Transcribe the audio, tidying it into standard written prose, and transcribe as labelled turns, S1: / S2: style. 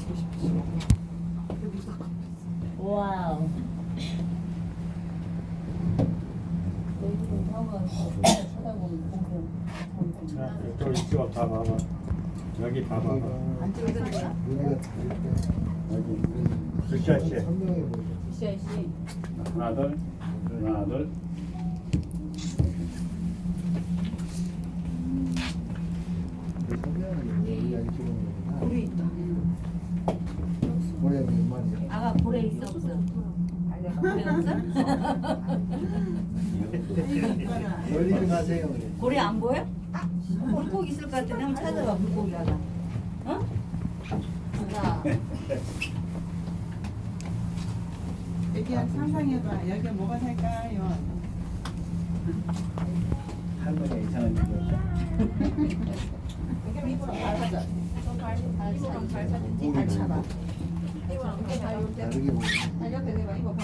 S1: 와우.
S2: 자, 이쪽 이쪽 다 봐봐. 여기 다 봐봐.
S1: 안 찍어도 돼요?
S2: 여기 굿샷이.
S3: 선명해 보이죠.
S1: 굿샷이.
S2: 하나 둘, 하나 둘.
S3: 선명하게 여기까지 찍은 거구나.
S1: 고래 있다.
S3: 고래 몇 마리야?
S1: 아가 고래 있어 없어? 고래 없어?
S3: 멀리 좀 가세요.
S1: 고래 안 보여? 물고기 있을 것 같은데 한번 찾아봐 물고기 하나. 어? 자,
S4: 애기야 상상해봐. 여기 뭐가 살까요?
S2: 할머니가 이상한 얘기.
S4: 애기 입으로 밟아줘. 발 차봐.
S3: 다르게 보이네.
S4: 발 옆에 대봐. 이거 발